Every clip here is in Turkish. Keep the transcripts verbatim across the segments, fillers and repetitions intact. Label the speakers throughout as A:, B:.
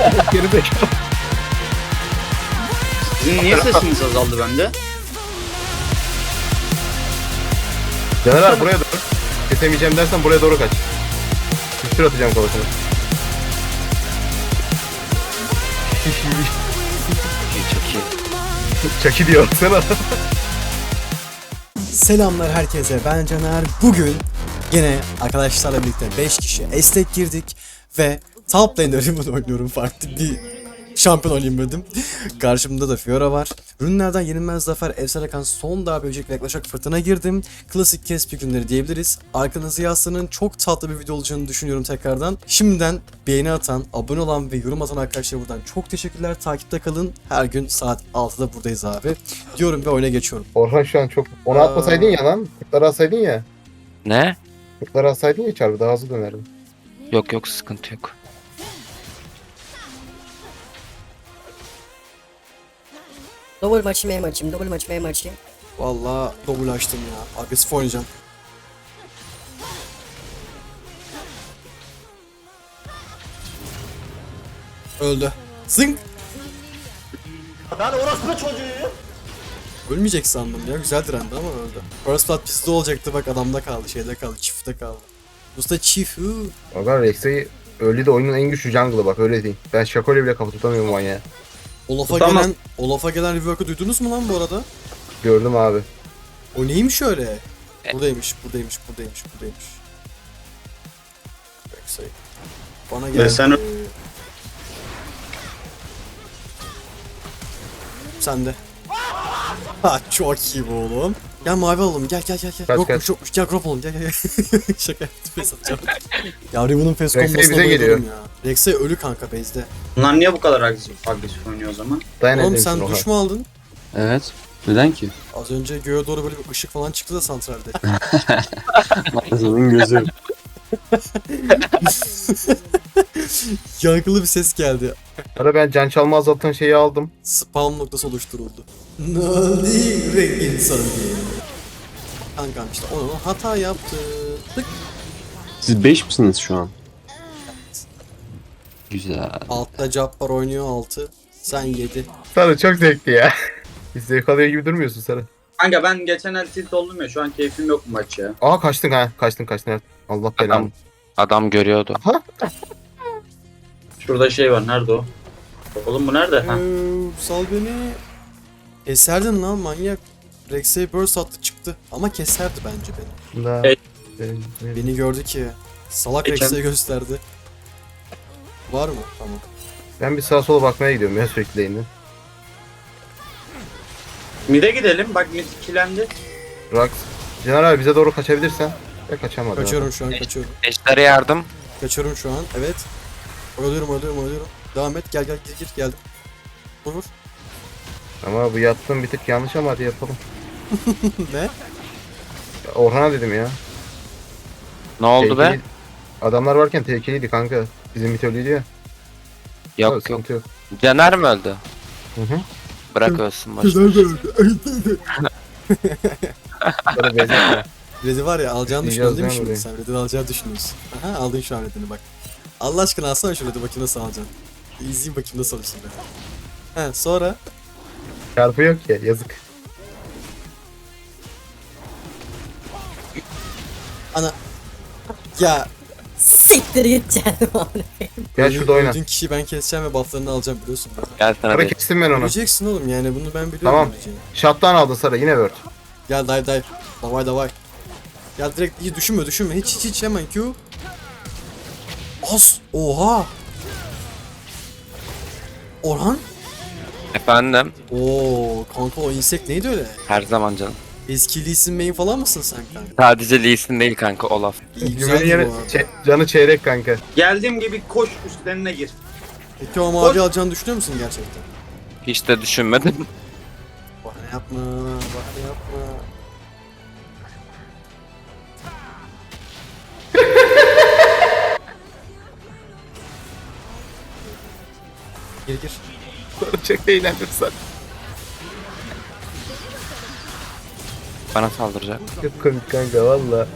A: Geri zekalı.
B: Sizin niye sesiniz azaldı bende?
A: Caner abi buraya doğru. Kesemeyeceğim dersen buraya doğru kaç. Üstür atacağım kafasına.
B: Çok iyi.
A: Çaki diyor sana.
C: Selamlar herkese, ben Caner. Bugün yine arkadaşlarla birlikte beş kişi estek girdik ve top lane'de Riven oynuyorum. Farklı bir şampiyon olayım dedim. Karşımda da Fiora var. Ürünlerden yenilmez zafer, efsane kan, son darbe böcek ve yaklaşık fırtına girdim. Klasik kespi günleri diyebiliriz. Arkanızı yaslanın, çok tatlı bir video olacağını düşünüyorum tekrardan. Şimdiden beğeni atan, abone olan ve yorum atan arkadaşlar buradan çok teşekkürler. Takipte kalın. Her gün saat altıda buradayız abi. Diyorum ve oyuna geçiyorum.
A: Orhan şu an çok... Onu atmasaydın ya lan. Kırkları atsaydın ya.
D: Ne?
A: Kırkları atsaydın ya çarpı daha hızlı dönerdim.
D: Yok yok sıkıntı yok.
E: Double maçı M maçım, double maçı M maçı.
C: Vallahi double açtım ya. Agresif oynayacağım. Öldü. Zınk.
F: Ben orospu çocuğuyum.
C: Ölmeyecek sandım ya. Güzel direndi ama öldü. First blood bizde olacaktı, bak adamda kaldı, şeyde kaldı, çiftte kaldı. Usta çift. Huu.
A: Orhan Rex'i öyle de oyunun en güçlü jungle'ı bak öyle değil. Ben Shaco'yla bile kafa tutamıyorum manyağı.
C: Olaf'a
B: Tamam.
C: gelen Olaf'a gelen rework'ı duydunuz mu lan bu arada?
A: Gördüm abi.
C: O neymiş öyle? Buradaymış, buradaymış, buradaymış, buradaymış. Backside. Bana geldi.
B: sen-
C: Sen de. Ha çok iyi bu oğlum. Gel mavi alalım, gel gel gel gel.
A: Kaç,
C: Yokmuş
A: kaç.
C: yokmuş, gel crop alalım, gel gel gel. Şaka yaptım, face atacağım. Ya Riven'ın face
A: Rex'e
C: kombosuna
A: bize geliyor.
C: bayılıyorum ya. Rex'e ölü kanka base'de.
B: Bunlar niye bu kadar agresif, agresif oynuyor o zaman?
A: Dayan
C: Oğlum
A: edeyim
C: sen
A: Orhan.
C: duş mu aldın?
G: Evet. Neden ki?
C: Az önce göğe doğru böyle bir ışık falan çıktı da santralde.
G: Ağzının gözü.
C: Yankılı bir ses geldi.
A: Ara ben can çalma azaltan şeyi aldım.
C: Spawn noktası oluşturuldu. Nadi rengin sarı. Kankam işte onu hata yaptı. Tık.
G: Siz beş misiniz şu an? Güzel.
C: Altta Jabbar oynuyor altı. Sen yedi.
A: Sarı çok zevkli ya. Hiç zevk alıyor gibi durmuyorsun Sarı.
B: Kanka ben geçen el tilt oldum ya, şu an keyfim yok bu maç ya.
A: Aa kaçtın ha. Kaçtın kaçtın. Evet. Allah belanı.
D: Adam, adam görüyordu.
A: Aha.
B: Şurada şey var, nerede o? Oğlum bu nerede? Ha.
C: Ee, sal beni. Keserdin lan manyak. Rex'e burst attı çıktı. Ama keserdi bence beni.
A: Da.
B: Evet.
A: Benim- benim-
C: Beni gördü ki. Salak
B: Geçen-
C: Rex'e gösterdi. Var mı? Tamam.
A: Ben bir sağa sola bakmaya gidiyorum ya sürekli lane'e.
B: Mid'e gidelim, bak mid ikilendi.
A: Rax. Caner abi bize doğru kaçabilirsen. Ya kaçamadım.
C: Kaçıyorum şu an, kaçıyorum.
D: Ejder'e yardım.
C: Kaçıyorum şu an. Evet. Ölüyorum, ölüyorum, ölüyorum. Devam et. Gel gel gir gir geldim. Vur vur.
A: Ama bu yaptığım bir tık yanlış ama hadi yapalım.
C: Ne?
A: Ya Orhan'a dedim ya.
D: Ne oldu be?
A: Tehlikeli- Adamlar varken tehlikeliydi kanka. Bizim mitolojiydi ya.
D: Yok
A: Tabii,
D: yok.
A: sıkıntı yok.
D: Caner mi öldü?
A: Hı hı.
D: Bırak ölsün başta.
A: Böyle bezek.
C: Red'i var ya alacağını
A: Diyeceğiz
C: düşünüyorsun değil mi
A: lan
C: şimdi
A: burayı.
C: sen? Red'i alacağını düşünüyorsun. Aha aldın şu an Red'ini bak. Allah aşkına alsana şu Red'i, bakayım nasıl alacaksın. İzleyeyim bakayım nasıl alırsın Red'i. He sonra
A: Çarpı yok ya yazık.
C: ana ya
E: Siktir git canım abi.
A: Gel şurada oyna.
C: öldüğün kişiyi ben keseceğim ve bufflarını alacağım biliyorsun.
D: Gel sana
A: Sarı
D: bir.
A: kestim ben onu.
C: Öleceksin oğlum yani bunu ben biliyorum.
A: Tamam.
C: öleceğini.
A: Shot'tan aldın Sarı yine word.
C: Gel dive dive. Davay davay. Gel direkt iyi düşünme düşünme hiç hiç hiç hemen Q. As. Oha. Orhan.
D: Efendim.
C: Oo kanka o insek neydi öyle?
D: Her zaman canım.
C: Eski Lee Sin main falan mısın sen kanka?
D: Sadece Lee Sin değil kanka, Olaf.
C: İyi
A: Cümlenin
C: güzeldi
A: yeri
C: bu arada.
A: çe- canı çeyrek kanka.
B: Geldiğim gibi koş üstlerine gir.
C: Peki o mavi alacağını düşünüyor musun gerçekten?
D: Hiç de düşünmedim.
C: Bahane yapma, bahane yapma. Gir gir.
A: Sarı çok eğlendim Sarı.
D: Bana saldıracak.
A: Çok komik kanka valla.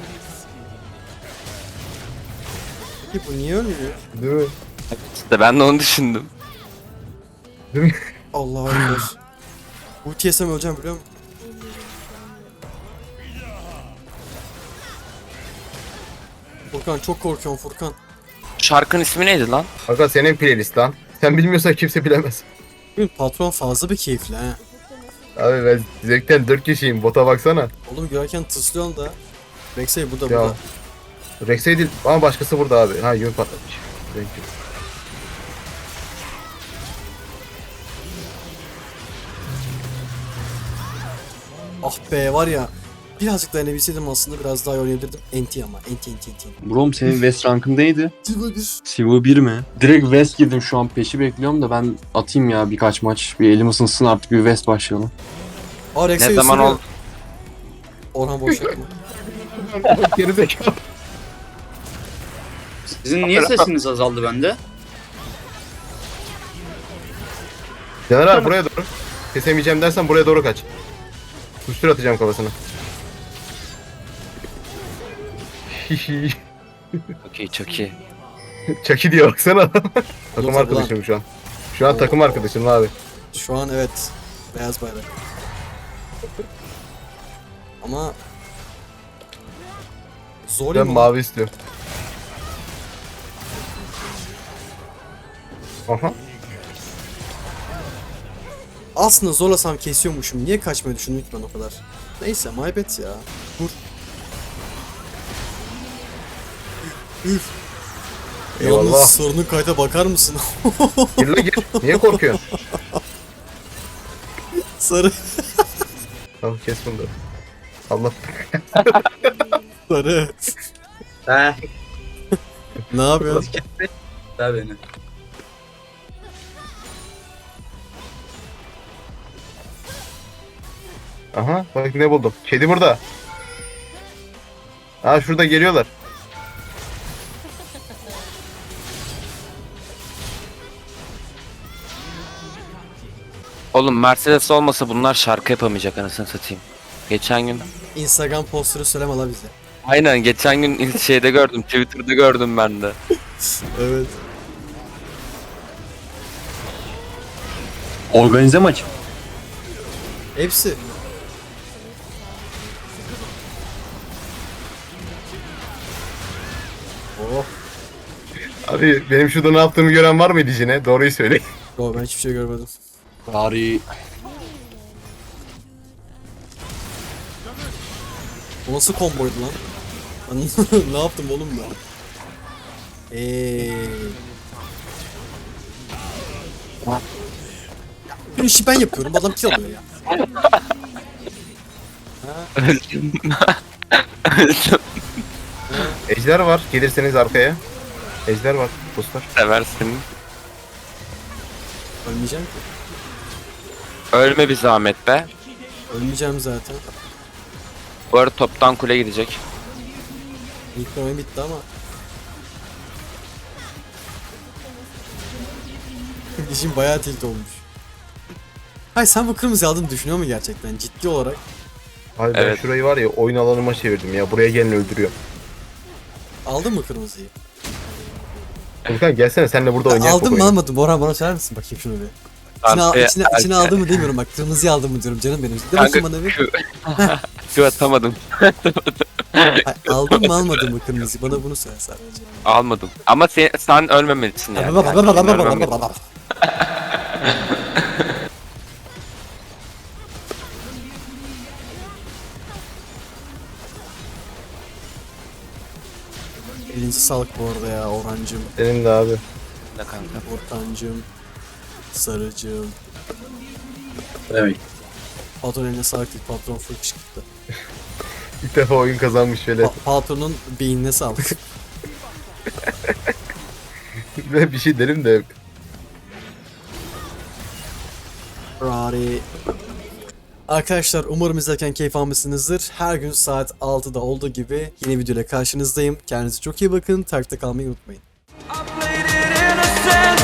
C: Peki bu niye ölmüyor?
A: Değil mi?
D: İşte ben de onu düşündüm.
A: Değil mi?
C: Allah ekber. Ulti yesem öleceğim biliyor musun? Furkan çok korkuyorum Furkan.
D: Şarkının ismi neydi lan?
A: Aga senin playlist lan. Sen bilmiyorsan kimse bilemez.
C: Bugün patron fazla bir keyifli ha.
A: Abi ben zevkten dört kişiyim. Bota baksana.
C: Oğlum görerken tıslıyorsun da. Rexey burada
A: Ya.
C: burada.
A: Rex'e değil ama başkası burada abi. Ha yön patlamış. Thank you.
C: Ah be var ya. Birazcık dayanabilseydim aslında biraz daha iyi oynayabilirdim. Enti ama enti enti enti.
G: Brom senin West rankın neydi?
C: Silver bir.
G: Silver bir mi? Direkt West girdim şu an peşi bekliyorum da ben atayım ya birkaç maç. Bir elim ısınsın artık bir West başlayalım.
C: Aa Rexey
D: Ne zaman
C: ısırıyor.
D: oldu?
C: Orhan boş yapma.
A: Gerizekalı.
B: Sizin niye sesiniz azaldı bende?
A: Caner abi buraya doğru. Kesemeyeceğim dersen buraya doğru kaç. Kustur atacağım kafasına.
D: Çok iyi çok iyi.
A: Çaki diye baksana adam. Takım
C: Ulan.
A: arkadaşım şu an. Şu an takım arkadaşım abi.
C: Şu an evet. Beyaz bayrak. Ama zor
A: Ben
C: mu?
A: mavi istiyorum. Aha.
C: Aslında zorlasam kesiyormuşum. Niye kaçmayı düşündüm ki ben o kadar? Neyse my bad ya. Vur. Üf. Üf.
A: Eyvallah.
C: Yalnız sorunun kayda bakar mısın?
A: Gir lan gir. Niye korkuyorsun?
C: Sarı.
A: Tamam kes bunu da. Allah.
C: Sarı.
B: He.
C: Ne yapıyorsun?
B: Ver beni.
A: Aha bak ne buldum. Kedi burada. Ha şurada geliyorlar.
D: Oğlum Mercedes olmasa bunlar şarkı yapamayacak anasını satayım. Geçen gün
C: Instagram posteri söyleme la bize.
D: aynen geçen gün şeyde gördüm, Twitter'da gördüm ben de.
C: Evet.
G: Organize maç.
C: Hepsi. Oh.
A: Abi benim şurada ne yaptığımı gören var mıydı yine? Doğruyu söyle.
C: Yo ben hiçbir şey görmedim.
G: Bari
C: O nasıl komboydu lan? Ben ne yaptım oğlum ben? Eee. Bir işi ben yapıyorum, adam kill alıyor ya.
D: Öldüm. Öldüm.
A: Ejder var. Gelirseniz arkaya. Ejder var. Dostlar.
D: Seversin.
C: Ölmeyeceğim ki.
D: Ölme bir zahmet be.
C: Ölmeyeceğim zaten.
D: Bu arada toptan kule gidecek.
C: İlk oyun bitti ama. İşin bayağı tilt olmuş. Hayır sen bu kırmızı aldığını düşünüyor mu gerçekten ciddi olarak?
A: Abi ben
D: Evet.
A: şurayı var ya oyun alanıma çevirdim ya. Buraya gelin öldürüyor.
C: Aldın mı kırmızıyı?
A: Furkan gelsene senle burada
C: Ya
A: oynayalım.
C: aldım mı almadım? Orhan bana söyler misin bakayım şunu bir. İçine, al,
D: Arkaya-
C: içine, içine aldım mı demiyorum bak kırmızıyı aldım mı diyorum canım benim. De
D: Kanka
C: bakayım bana bir.
D: şu, şu atamadım.
C: Hayır, aldın mı almadın mı kırmızıyı bana bunu söyle sadece.
D: Almadım. Ama sen, sen ölmemelisin yani. Yani sen ölmemelisin.
C: Elinize sağlık bu arada ya Orhancığım,
A: Senin de abi.
D: Ne kanka?
C: Ortancığım, Sarıcığım.
B: Evet.
C: Patron eline sağlık değil, patron full kışkırttı.
A: İlk defa oyun kazanmış şöyle.
C: Pa- patronun beynine sağlık.
A: Ve bir şey derim de.
C: Rari. Arkadaşlar umarım izlerken keyif almışsınızdır. Her gün saat altıda olduğu gibi yeni videoyla karşınızdayım. Kendinize çok iyi bakın. Takipte kalmayı unutmayın.
H: I played it innocent.